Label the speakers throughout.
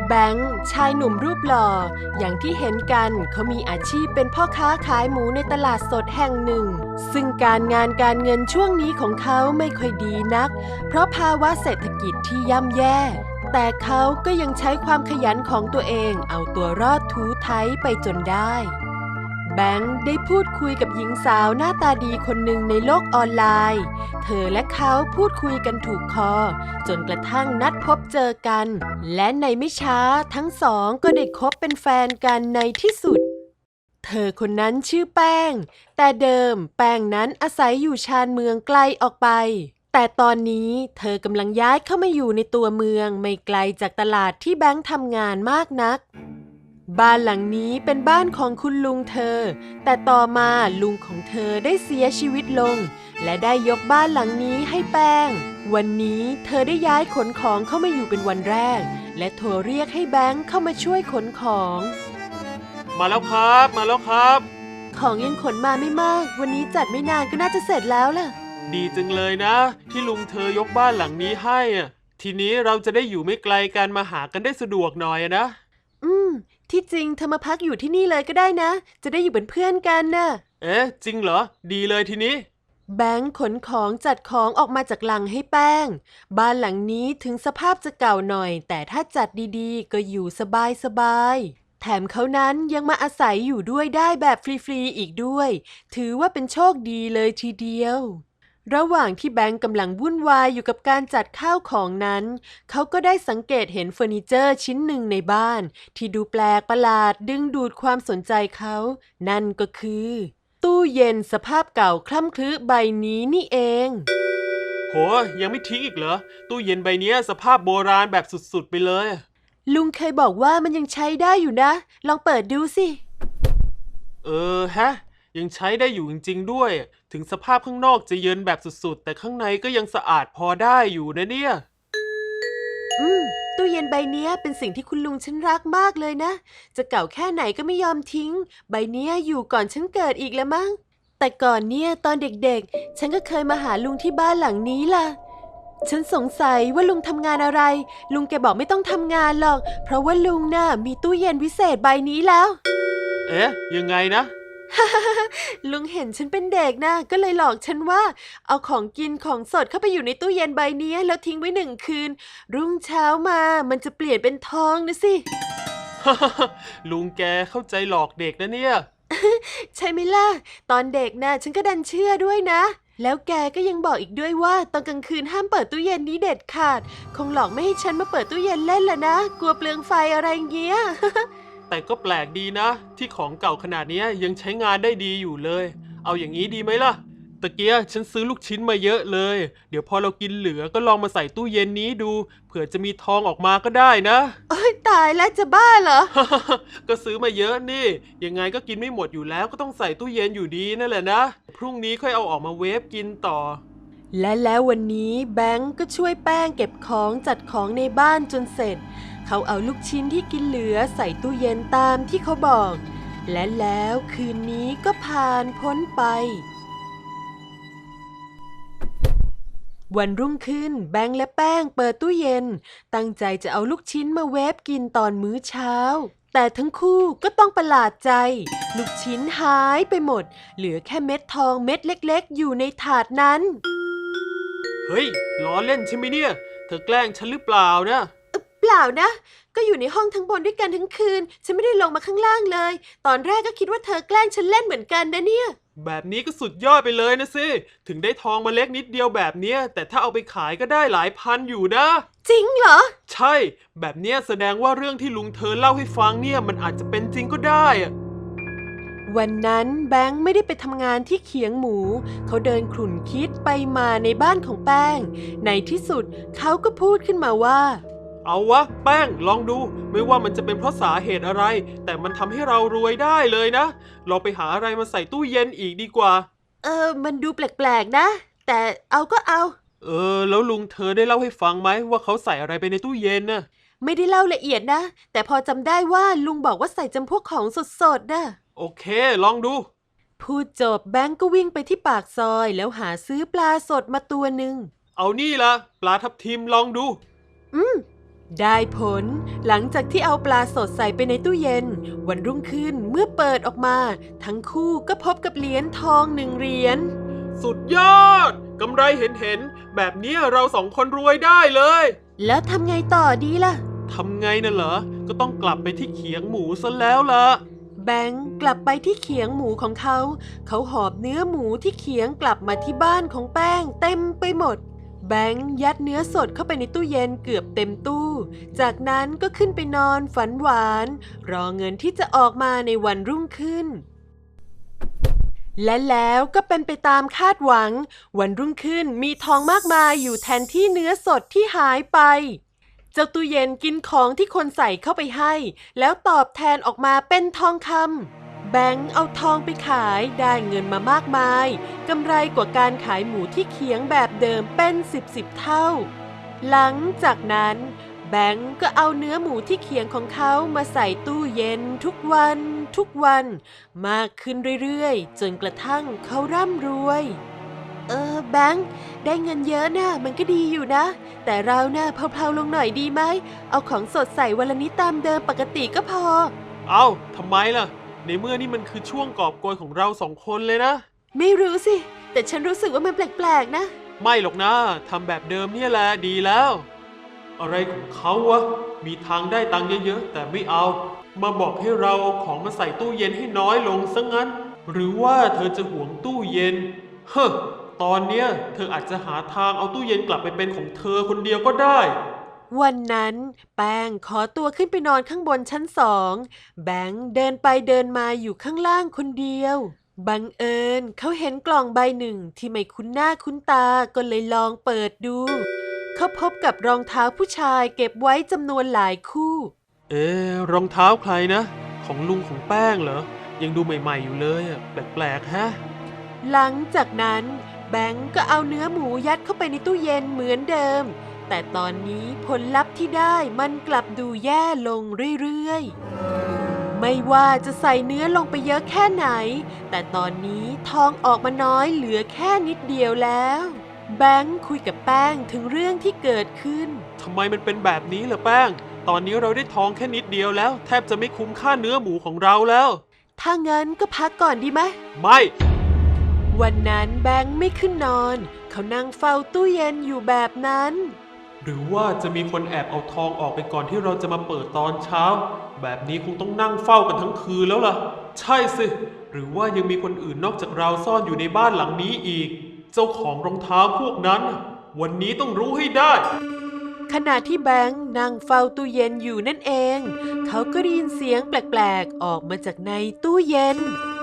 Speaker 1: แบงค์ชายหนุ่มรูปหล่ออย่างที่เห็นกันเขามีอาชีพเป็นพ่อค้าขายหมูในตลาดสดแห่งหนึ่งซึ่งการงานการเงินช่วงนี้ของเขาไม่ค่อยดีนักเพราะภาวะเศรษฐกิจที่ย่ำแย่แต่เขาก็ยังใช้ความขยันของตัวเองเอาตัวรอดทูไถไปจนได้แบงค์ได้พูดคุยกับหญิงสาวหน้าตาดีคนหนึ่งในโลกออนไลน์เธอและเขาพูดคุยกันถูกคอจนกระทั่งนัดพบเจอกันและในไม่ช้าทั้งสองก็ได้คบเป็นแฟนกันในที่สุดเธอคนนั้นชื่อแป้งแต่เดิมแป้งนั้นอาศัยอยู่ชานเมืองไกลออกไปแต่ตอนนี้เธอกำลังย้ายเข้ามาอยู่ในตัวเมืองไม่ไกลจากตลาดที่แบงค์ทำงานมากนักบ้านหลังนี้เป็นบ้านของคุณลุงเธอแต่ต่อมาลุงของเธอได้เสียชีวิตลงและได้ยกบ้านหลังนี้ให้แป้งวันนี้เธอได้ย้ายขนของเข้ามาอยู่เป็นวันแรกและโทรเรียกให้แบงค์เข้ามาช่วยขนของ
Speaker 2: มาแล้วครับมาแล้วครับ
Speaker 1: ของยังขนมาไม่มากวันนี้จัดไม่นานก็น่าจะเสร็จแล้วล่ะ
Speaker 2: ดีจังเลยนะที่ลุงเธอยกบ้านหลังนี้ให้ทีนี้เราจะได้อยู่ไม่ไกลกันมาหากันได้สะดวกหน่อยนะ
Speaker 1: ที่จริงเธอมาพักอยู่ที่นี่เลยก็ได้นะจะได้อยู่เป็นเพื่อนกันน่ะ
Speaker 2: เอ๊ะจริงเหรอดีเลยทีนี้
Speaker 1: แบงค์ขนของจัดของออกมาจากลังให้แป้งบ้านหลังนี้ถึงสภาพจะเก่าหน่อยแต่ถ้าจัดดีๆก็อยู่สบายๆแถมเขานั้นยังมาอาศัยอยู่ด้วยได้แบบฟรีๆอีกด้วยถือว่าเป็นโชคดีเลยทีเดียวระหว่างที่แบงค์กำลังวุ่นวายอยู่กับการจัดข้าวของนั้นเขาก็ได้สังเกตเห็นเฟอร์นิเจอร์ชิ้นหนึ่งในบ้านที่ดูแปลกประหลาดดึงดูดความสนใจเขานั่นก็คือตู้เย็นสภาพเก่าคล่ำครึใบนี้นี่เอง
Speaker 2: โหยังไม่ทิ้งอีกเหรอตู้เย็นใบนี้สภาพโบราณแบบสุดๆไปเลย
Speaker 1: ลุงเคยบอกว่ามันยังใช้ได้อยู่นะลองเปิดดูสิ
Speaker 2: ฮะยังใช้ได้อยู่จริงๆด้วยถึงสภาพข้างนอกจะเยินแบบสุดๆแต่ข้างในก็ยังสะอาดพอได้อยู่นะเนี่ย
Speaker 1: ตู้เย็นใบนี้เป็นสิ่งที่คุณลุงฉันรักมากเลยนะจะเก่าแค่ไหนก็ไม่ยอมทิ้งใบนี้อยู่ก่อนฉันเกิดอีกแล้วมั้งแต่ก่อนเนี่ยตอนเด็กๆฉันก็เคยมาหาลุงที่บ้านหลังนี้ล่ะฉันสงสัยว่าลุงทำงานอะไรลุงแกบอกไม่ต้องทำงานหรอกเพราะว่าลุงน่ะมีตู้เย็นวิเศษใบนี้แล้ว
Speaker 2: เอ๊ะยังไงนะ
Speaker 1: ลุงเห็นฉันเป็นเด็กนะก็เลยหลอกฉันว่าเอาของกินของสดเข้าไปอยู่ในตู้เย็นใบนี้แล้วทิ้งไว้1 คืนรุ่งเช้ามามันจะเปลี่ยนเป็นทองนะสิ
Speaker 2: ลุงแกเข้าใจหลอกเด็กนะเนี่ย
Speaker 1: ใช่ไหมล่ะตอนเด็กนะฉันก็ดันเชื่อด้วยนะแล้วแกก็ยังบอกอีกด้วยว่าตอนกลางคืนห้ามเปิดตู้เย็นนี้เด็ดขาดคงหลอกไม่ให้ฉันมาเปิดตู้เย็นเล่นละนะกลัวเปลืองไฟอะไรเงี้ย
Speaker 2: แต่ก็แปลกดีนะที่ของเก่าขนาดนี้ยังใช้งานได้ดีอยู่เลยเอาอย่างนี้ดีไหมล่ะตะเกียฉันซื้อลูกชิ้นมาเยอะเลยเดี๋ยวพอเรากินเหลือก็ลองมาใส่ตู้เย็นนี้ดูเผื่อจะมีทองออกมาก็ได้นะ
Speaker 1: โอ๊ยตายแล้วจะบ้าเหรอ
Speaker 2: ก็ซื้อมาเยอะนี่ยังไงก็กินไม่หมดอยู่แล้วก็ต้องใส่ตู้เย็นอยู่ดีนั่นแหละนะพรุ่งนี้ค่อยเอาออกมาเวฟกินต่อ
Speaker 1: และแล้ววันนี้แบงก์ก็ช่วยแป้งเก็บของจัดของในบ้านจนเสร็จเขาเอาลูกชิ้นที่กินเหลือใส่ตู้เย็นตามที่เขาบอกและแล้วคืนนี้ก็ผ่านพ้นไปวันรุ่งขึ้นแบงก์และแป้งเปิดตู้เย็นตั้งใจจะเอาลูกชิ้นมาเวฟกินตอนมื้อเช้าแต่ทั้งคู่ก็ต้องประหลาดใจลูกชิ้นหายไปหมดเหลือแค่เม็ดทองเม็ดเล็กๆอยู่ในถาดนั้น
Speaker 2: เฮ้ยล้อเล่นใช่ไหมเนี่ยเธอแกล้งฉันหรือเปล่านะ
Speaker 1: เปล่านะก็อยู่ในห้องทั้งบนด้วยกันทั้งคืนฉันไม่ได้ลงมาข้างล่างเลยตอนแรกก็คิดว่าเธอแกล้งฉันเล่นเหมือนกันนะเนี่ย
Speaker 2: แบบนี้ก็สุดยอดไปเลยนะสิถึงได้ทองมาเล็กนิดเดียวแบบเนี้ยแต่ถ้าเอาไปขายก็ได้หลายพันอยู่นะ
Speaker 1: จริงเหรอ
Speaker 2: ใช่แบบเนี้ยแสดงว่าเรื่องที่ลุงเธอเล่าให้ฟังเนี่ยมันอาจจะเป็นจริงก็ได้อะ
Speaker 1: วันนั้นแบงค์ไม่ได้ไปทำงานที่เขียงหมูเขาเดินขลุ่นคิดไปมาในบ้านของแป้งในที่สุดเขาก็พูดขึ้นมาว่า
Speaker 2: เอาวะแป้งลองดูไม่ว่ามันจะเป็นเพราะสาเหตุอะไรแต่มันทำให้เรารวยได้เลยนะเราไปหาอะไรมาใส่ตู้เย็นอีกดีกว่า
Speaker 1: มันดูแปลกๆนะแต่เอาก็เอา
Speaker 2: แล้วลุงเธอได้เล่าให้ฟังไหมว่าเขาใส่อะไรไปในตู้เย็นน่ะ
Speaker 1: ไม่ได้เล่าละเอียดนะแต่พอจำได้ว่าลุงบอกว่าใส่จำพวกของสดๆนะ
Speaker 2: โอเคลองดู
Speaker 1: พูดจบแบงก์ก็วิ่งไปที่ปากซอยแล้วหาซื้อปลาสดมาตัวหนึ่ง
Speaker 2: เอานี่ละปลาทับทิมลองดู
Speaker 1: ได้ผลหลังจากที่เอาปลาสดใส่ไปในตู้เย็นวันรุ่งขึ้นเมื่อเปิดออกมาทั้งคู่ก็พบกับเหรียญทอง1 เหรียญ
Speaker 2: สุดยอดกำไรเห็นแบบนี้เราสองคนรวยได้เลย
Speaker 1: แล้วทำไงต่อดีล่ะ
Speaker 2: ทำไงน่ะเหรอก็ต้องกลับไปที่เขียงหมูซะแล้วล่ะ
Speaker 1: แบงค์กลับไปที่เขียงหมูของเขาหอบเนื้อหมูที่เขียงกลับมาที่บ้านของแป้งเต็มไปหมดแบงค์ยัดเนื้อสดเข้าไปในตู้เย็นเกือบเต็มตู้จากนั้นก็ขึ้นไปนอนฝันหวานรอเงินที่จะออกมาในวันรุ่งขึ้นและแล้วก็เป็นไปตามคาดหวังวันรุ่งขึ้นมีทองมากมายอยู่แทนที่เนื้อสดที่หายไปเจ้าตู้เย็นกินของที่คนใส่เข้าไปให้แล้วตอบแทนออกมาเป็นทองคำแบงค์เอาทองไปขายได้เงินมามากมายกำไรกว่าการขายหมูที่เขียงแบบเดิมเป็น10 เท่าหลังจากนั้นแบงค์ก็เอาเนื้อหมูที่เขียงของเขามาใส่ตู้เย็นทุกวันมากขึ้นเรื่อยๆจนกระทั่งเขาร่ำรวยแบงค์ได้เงินเยอะนะมันก็ดีอยู่นะแต่เราน่ะเพลาๆลงหน่อยดีไหมเอาของสดใส่วันละนิดตามเดิมปกติก็พอ
Speaker 2: ทำไมล่ะในเมื่อนี่มันคือช่วงกอบโกยของเราสองคนเลยนะ
Speaker 1: ไม่รู้สิแต่ฉันรู้สึกว่ามันแปลกๆนะ
Speaker 2: ไม่หรอกนะทำแบบเดิมเนี่ยแหละดีแล้วอะไรของเขาวะมีทางได้ตังค์เยอะๆแต่ไม่เอามาบอกให้เราเอาของมาใส่ตู้เย็นให้น้อยลงซะงั้นหรือว่าเธอจะหวงตู้เย็นตอนเนี้ยเธออาจจะหาทางเอาตู้เย็นกลับไปเป็นของเธอคนเดียวก็ได้
Speaker 1: วันนั้นแป้งขอตัวขึ้นไปนอนข้างบนชั้น2แบงค์เดินไปเดินมาอยู่ข้างล่างคนเดียวบังเอิญเขาเห็นกล่องใบหนึ่งที่ไม่คุ้นหน้าคุ้นตาก็เลยลองเปิดดูเขาพบกับรองเท้าผู้ชายเก็บไว้จำนวนหลายคู่
Speaker 2: รองเท้าใครนะของลุงของแป้งเหรอยังดูใหม่ๆอยู่เลยแปลกๆฮะ
Speaker 1: หลังจากนั้นแบงค์ก็เอาเนื้อหมูยัดเข้าไปในตู้เย็นเหมือนเดิมแต่ตอนนี้ผลลัพธ์ที่ได้มันกลับดูแย่ลงเรื่อยๆไม่ว่าจะใส่เนื้อลงไปเยอะแค่ไหนแต่ตอนนี้ทองออกมาน้อยเหลือแค่นิดเดียวแล้วแบงค์คุยกับแป้งถึงเรื่องที่เกิดขึ้น
Speaker 2: ทำไมมันเป็นแบบนี้ล่ะแป้งตอนนี้เราได้ทองแค่นิดเดียวแล้วแทบจะไม่คุ้มค่าเนื้อหมูของเราแล้ว
Speaker 1: ถ้างั้นก็พักก่อนดีไหม
Speaker 2: ไม่
Speaker 1: วันนั้นแบงค์ไม่ขึ้นนอนเขานั่งเฝ้าตู้เย็นอยู่แบบนั้น
Speaker 2: หรือว่าจะมีคนแอบเอาทองออกไปก่อนที่เราจะมาเปิดตอนเช้าแบบนี้คงต้องนั่งเฝ้ากันทั้งคืนแล้วล่ะใช่สิหรือว่ายังมีคนอื่นนอกจากเราซ่อนอยู่ในบ้านหลังนี้อีกเจ้าของรองเท้าพวกนั้นวันนี้ต้องรู้ให้ได้
Speaker 1: ขณะที่แบงค์นั่งเฝ้าตู้เย็นอยู่นั่นเองเขาก็ได้ยินเสียงแปลกๆออกมาจากในตู้เย็น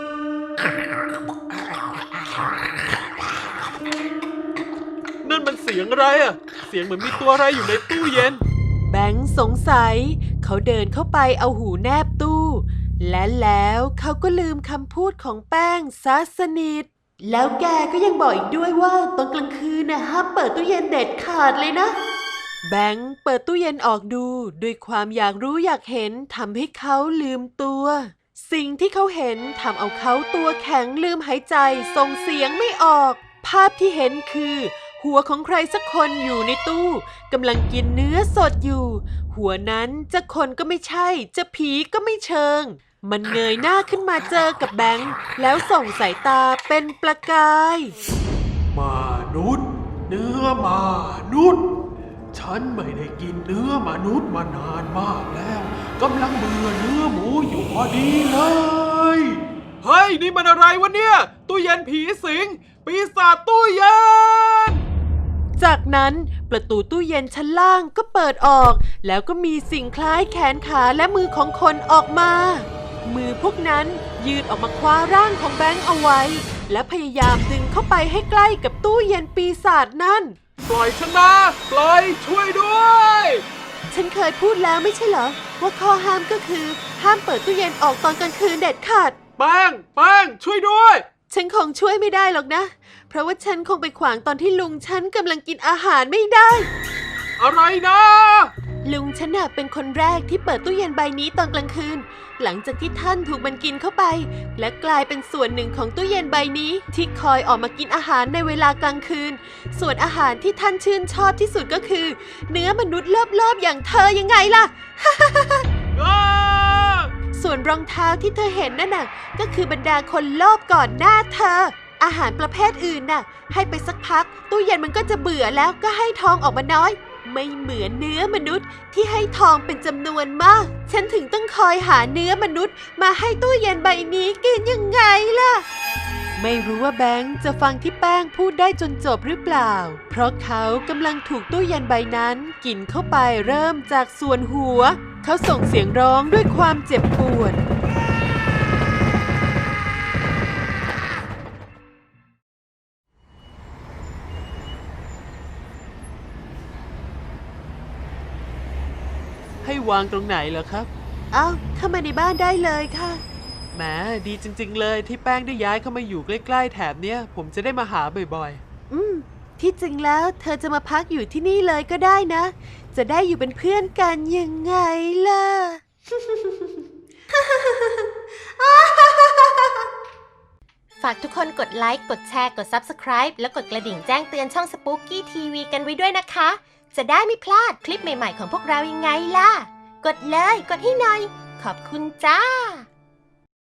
Speaker 2: นั่นมันเสียงอะไรเสียงเหมือนมีตัวอะไรอยู่ในตู้เย็น
Speaker 1: แบงค์สงสัยเขาเดินเข้าไปเอาหูแนบตู้และแล้วเขาก็ลืมคำพูดของแป้งซะสนิทแล้วแกก็ยังบอกอีกด้วยว่าตอนกลางคืนห้ามเปิดตู้เย็นเด็ดขาดเลยนะแบงค์เปิดตู้เย็นออกดูด้วยความอยากรู้อยากเห็นทำให้เขาลืมตัวสิ่งที่เขาเห็นทำเอาเขาตัวแข็งลืมหายใจส่งเสียงไม่ออกภาพที่เห็นคือหัวของใครสักคนอยู่ในตู้กำลังกินเนื้อสดอยู่หัวนั้นจะคนก็ไม่ใช่จะผีก็ไม่เชิงมันเงยหน้าขึ้นมาเจอกับแบงค์แล้วส่งสายตาเป็นประกาย
Speaker 2: มนุษย์เนื้อมนุษย์ฉันไม่ได้กินเนื้อมนุษย์มานานมากแล้วกำลังเบื่อเนื้อหมูอยู่พอดีเลยเฮ้ยนี่มันอะไรวะเนี่ยตู้เย็นผีสิงปีศาจตู้เย็น
Speaker 1: จากนั้นประตูตู้เย็นชั้นล่างก็เปิดออกแล้วก็มีสิ่งคล้ายแขนขาและมือของคนออกมามือพวกนั้นยืดออกมาคว้าร่างของแบงค์เอาไว้และพยายามดึงเข้าไปให้ใกล้กับตู้เย็นปีศาจนั่น
Speaker 2: ปล่อยฉันนะปล่อยช่วยด้วย
Speaker 1: ฉันเคยพูดแล้วไม่ใช่เหรอว่าข้อห้ามก็คือห้ามเปิดตู้เย็นออกตอนกลางคืนเด็ดขาด
Speaker 2: แป้งช่วยด้วย
Speaker 1: ฉันคงช่วยไม่ได้หรอกนะเพราะว่าฉันคงไปขวางตอนที่ลุงฉันกำลังกินอาหารไม่ได้
Speaker 2: อะไรนะ
Speaker 1: ลุงฉันน่ะเป็นคนแรกที่เปิดตู้เย็นใบนี้ตอนกลางคืน หลังจากที่ท่านถูกมันกินเข้าไป และกลายเป็นส่วนหนึ่งของตู้เย็นใบนี้ที่คอยออกมากินอาหารในเวลากลางคืน ส่วนอาหารที่ท่านชื่นชอบที่สุดก็คือ เนื้อมนุษย์เลิบๆอย่างเธอยังไงล่ะ ส่วนรองเท้าที่เธอเห็นนั่นน่ะก็คือบรรดาคนโลภก่อนหน้าเธอ อาหารประเภทอื่นน่ะให้ไปสักพักตู้เย็นมันก็จะเบื่อแล้วก็ให้ทองออกมาน้อย ไม่เหมือนเนื้อมนุษย์ที่ให้ทองเป็นจำนวนมาก ฉันถึงต้องคอยหาเนื้อมนุษย์มาให้ตู้เย็นใบนี้กินยังไงล่ะ ไม่รู้ว่าแบงค์จะฟังที่แป้งพูดได้จนจบหรือเปล่า เพราะเขากำลังถูกตู้เย็นใบนั้นกินเข้าไปเริ่มจากส่วนหัว เขาส่งเสียงร้องด้วยความเจ็บปวด
Speaker 2: ให้วางตรงไหนเหรอครับ
Speaker 1: เอาเข้ามาในบ้านได้เลยค่ะ
Speaker 2: แหมดีจริงๆเลยที่แป้งได้ย้ายเข้ามาอยู่ใกล้ๆแถบเนี้ยผมจะได้มาหาบ่อย
Speaker 1: ที่จริงแล้วเธอจะมาพักอยู่ที่นี่เลยก็ได้นะ จะได้อยู่เป็นเพื่อนกันยังไงล่ะ
Speaker 3: ฝากทุกคนกดไลค์ กดแชร์ กด Subscribe และกดกระดิ่งแจ้งเตือนช่อง Spooky TV กันไว้ด้วยนะคะ จะได้ไม่พลาดคลิปใหม่ๆของพวกเรายังไงล่ะ กดเลย กดให้หน่อย ขอบคุณจ้า